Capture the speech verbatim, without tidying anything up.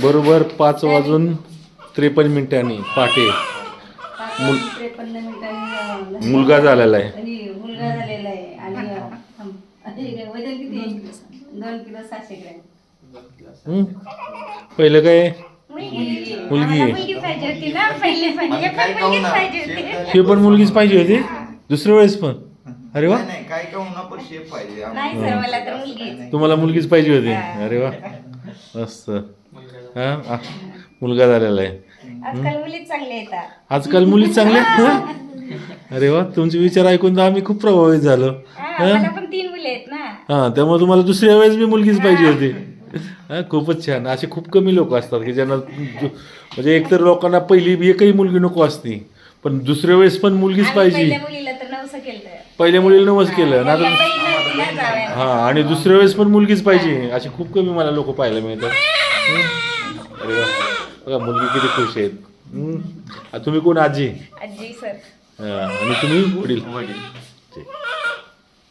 बरोबर पाच वाजून त्रेपन्न मिनिटांनी पहाटे मुल त्रेपन्न मिनिटांनी मुलगा झालेला आहे. आणि मुलगा झालेला आहे आणि आणि वजन किती दोन किलो सहाशे ग्रॅम. हं? पहिलं काय मुलगी मुलगी आम्हाला मुलगी पाहिजे होती ना पहिली पण हे पण मुलगीच पाहिजे होती. हे पण मुलगीच पाहिजे होती दुसऱ्या वेळेस पण. अरे वा, नाही काय का होणार पण शेप पाहिजे नाही सर मला तर मुलगी तुम्हाला मुलगीच पाहिजे होती. अरे वा मस्त. हा आ, मुलगा झालेला आहे. आजकाल मुलीच चांगले येतात. आजकाल मुलीच चांगल्या हं? अरे वा, तुमचे विचार ऐकून तर आम्ही खूप प्रभावित झालो. हा, मला पण तीन मुले आहेत ना. हां, त्यामुळे तुम्हाला दुसऱ्या वेळेस मी मुलगीच पाहिजे होती. हां, खूपच छान. असे खूप कमी लोक असतात की ज्यांना जो- म्हणजे एकतर लोकांना पहिली एकही मुलगी नको असती, पण दुसऱ्या वेळेस पण मुलगीच आम्ही पाहिजे. पहिल्या मुलीला तर नवसं केलं. पहिल्या मुलीला नवस केलं ना, पहिल्या बहिणीनं तिला जावयाला. हां, आणि दुसऱ्या वेळेस पण मुलगीच पाहिजे असे खूप कमी मला लोक पाहायला मिळतात. हं? अरे वा, बघा मुलगी किती खुश आहेत. हं? आ, तुम्ही कोण आजी? आजी सर. हां, आणि तुम्ही वडील. वडील